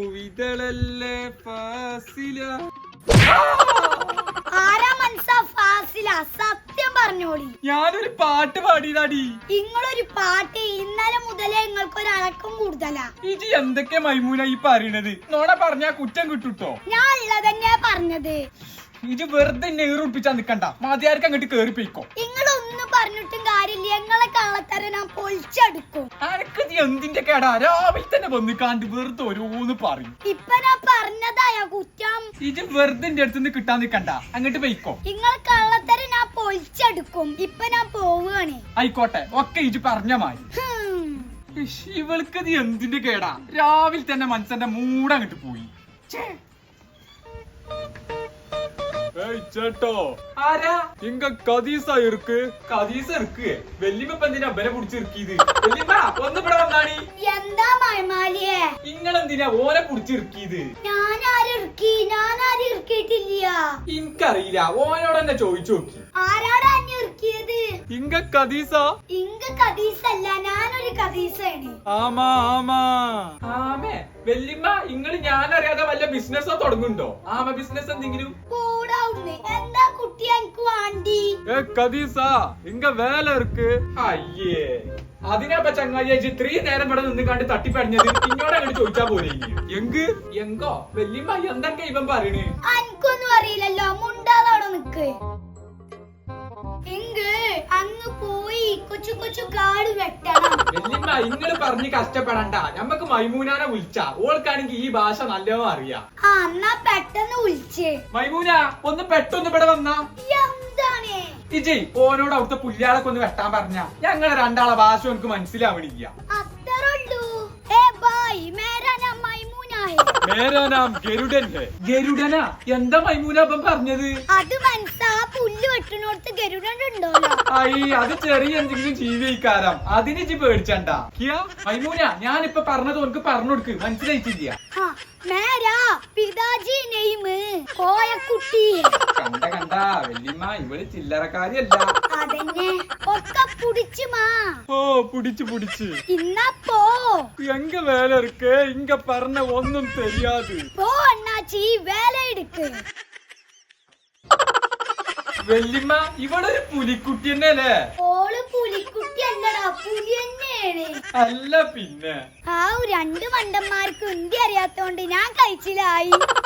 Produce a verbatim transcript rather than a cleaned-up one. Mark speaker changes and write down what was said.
Speaker 1: പൂവിതളല്ലേ ഫാസില.
Speaker 2: ആരാ മനസ്സാ ഫാസില? സത്യം പറഞ്ഞോളി.
Speaker 1: ഞാനൊരു പാട്ട് പാടിയതാടി.
Speaker 2: നിങ്ങളൊരു പാട്ട് ഇന്നലെ മുതലേ നിങ്ങൾക്ക് ഒരു അടക്കം കൂടുതലാ.
Speaker 1: ഇജി എന്തൊക്കെ മൈമൂന ഈ പറയണത്? നോണ പറഞ്ഞാ കുറ്റം കിട്ടൂട്ടോ.
Speaker 2: ഞാൻ ഉള്ളതന്നെയാ പറഞ്ഞത്.
Speaker 1: ഇജ് വെറുതെ നെയ്റുപ്പിച്ചാ നിക്കണ്ട. മതിയാർക്ക് അങ്ങോട്ട് കേറിപ്പോയിക്കോ.
Speaker 2: നിങ്ങളൊന്നും പറഞ്ഞിട്ടും കാര്യമില്ല. നിങ്ങളെ കള്ളത്തര ഞാൻ പൊളിച്ചെടുക്കും.
Speaker 1: അനക്ക് നീ എന്തിന്റെ കേടാ? രാവിലെ തന്നെ വന്നിക്കാണ്ട് വെറുതെ ഓരോന്ന് പറയും.
Speaker 2: ഇപ്പൊ ഞാൻ പറഞ്ഞതായ കുറ്റം.
Speaker 1: ഇജ് വെറുതെ എന്റെ അടുത്ത് നിന്ന് കിട്ടാൻ നിക്കണ്ട. അങ്ങോട്ട് പോയിക്കോ.
Speaker 2: നിങ്ങൾ കള്ളത്തര ഞാൻ പൊളിച്ചെടുക്കും. ഇപ്പൊ ഞാൻ പോവുകയാണ്.
Speaker 1: ആയിക്കോട്ടെ, ഒക്കെ ഇജ് പറഞ്ഞ മാറി. ഇവൾക്ക് നീ എന്തിന്റെ കേടാ? രാവിലെ തന്നെ മനസ്സന്റെ മൂടങ്ങോട്ട് പോയി. ചേട്ടോ ആരാ? ഇങ്ക കദീസ ഇருக்கு. കദീസ ഇருக்கு. വെല്ലിമ്മ എന്തിനാ ബല പിടിച്ചിറക്കിയത്? വെല്ലിമ്മ ഒന്ന് ഇവിടെ വന്നാണി.
Speaker 2: എന്താ മയമാലിയെ?
Speaker 1: ഇങ്ങളെന്തിനാ ഓനെ പിടിച്ചിറക്കിയത്?
Speaker 2: ഞാൻ ആരും ഇറക്കി? ഞാൻ ആരും ഇറക്കിയിട്ടില്ല.
Speaker 1: ഇൻക്കറിയില്ല. ഓനോട് തന്നെ ചോദിച്ചു നോക്കി.
Speaker 2: ആരാടാ അന്നെ ഇറക്കിയത്?
Speaker 1: ഇങ്ക കദീസ.
Speaker 2: ഇങ്ക കദീസല്ല, ഞാനൊരു കദീസാണ്.
Speaker 1: ആമാ ആമാ ആമേ. വെല്ലിമ്മ ഇങ്ങള് ഞാനറിയാതെ വല്ല ബിസിനസ്സോ തുടങ്ങുന്നുണ്ടോ? ആമ ബിസിനസ് എന്തെങ്കിലും?
Speaker 2: എന്താ കുട്ടി എനിക്ക് വേണ്ടി?
Speaker 1: ഏ കദീസ ഇങ്ക വേല ഇருக்கு. അയ്യേ, അതിനാപ്പ ചങ്ങായി ഇത്രയും നേരം ഇവിടെ നിന്ന് കണ്ട് തട്ടിപ്പടിഞ്ഞത്. ഇങ്ങോട്ട് അങ്ങോട്ട് ചോദിച്ചാ പോലെ. എങ്ക് എങ്കോ വെല്ലിമ്മ എന്തൊക്കെ ഇവൻ പറയണേ?
Speaker 2: എനിക്കൊന്നും അറിയില്ലല്ലോ. മുണ്ടാതോടെ നിക്ക്. എങ്ക് അങ്ങ് പോയി കൊച്ചു കൊച്ചു കാട് വെട്ടണം.
Speaker 1: വെല്ലിമ്മ ഇങ്ങള് പറഞ്ഞ് കഷ്ടപ്പെടണ്ട. നമ്മക്ക് മൈമൂനാനെ വിളിച്ചാ ഓൾക്കാണെങ്കി ഈ ഭാഷ നല്ലോണം അറിയാം.
Speaker 2: ആ എന്നാ പെട്ടെന്ന് വിളിച്ചേ.
Speaker 1: മൈമൂന ഒന്ന് പെട്ടെന്ന് ഇവിടെ വന്നാ.
Speaker 2: എന്താണ്
Speaker 1: ഇജി ഓനോട് അവിടുത്തെ പുല്യാളൊക്കെ ഒന്ന് വെട്ടാൻ പറഞ്ഞ. ഞങ്ങളെ രണ്ടാളെ ഭാഷ എനിക്ക് മനസ്സിലാവണില്ല.
Speaker 2: അത്രയുള്ളൂ. ഏ ബായ് മേരാ നാം മൈമൂന ഹൈ.
Speaker 1: മേരാ നാം ഗരുഡൻ ഹൈ. ഗരുഡനാ? എന്താ മൈമൂന അപ്പം പറഞ്ഞത്?
Speaker 2: അത് മനസ്സാ പുല്ല് വെട്ടണോടത്ത് ഗരുഡൻ ഉണ്ടോല്ലോ.
Speaker 1: അയ്യ, അത് ചെറിയ എന്തെങ്കിലും ജീവിക്കാരം. അതിന് ഇജി പേടിച്ചണ്ട. മൈമൂന ഞാനിപ്പൊ പറഞ്ഞത് ഓനക്ക് പറഞ്ഞു കൊടുക്ക്. മനസ്സിലായിട്ടില്ല.
Speaker 2: മേരാ പിതാജി നെയ്മ് കോയക്കുട്ടി.
Speaker 1: കണ്ട കണ്ട വെല്ലിമ്മ ഇവള് ചില്ലറക്കാരിയല്ല.
Speaker 2: അതന്നെ ഒക്കെ പുടിച്ചു മാ.
Speaker 1: ഓ പുടിച്ചു പുടിച്ച്.
Speaker 2: ഇന്നാ പോ.
Speaker 1: എങ്ക വേല ഇருக்கு. ഇങ്ക പറഞ്ഞ ഒന്നും தெரியாது.
Speaker 2: പോ അണ്ണാച്ചി വേല എടുക്ക്.
Speaker 1: വെല്ലിമ്മ ഇവളൊരു പുലിക്കുട്ടി തന്നെയല്ലേ?
Speaker 2: ഓള് പുലിക്കുട്ടി അല്ലടാ, പുലി തന്നെയാണ്.
Speaker 1: അല്ല പിന്നെ
Speaker 2: ആ രണ്ട് മണ്ടന്മാർക്ക് ഹിന്ദി അറിയാത്തോണ്ട് ഞാൻ കഴിച്ചില്ലായി.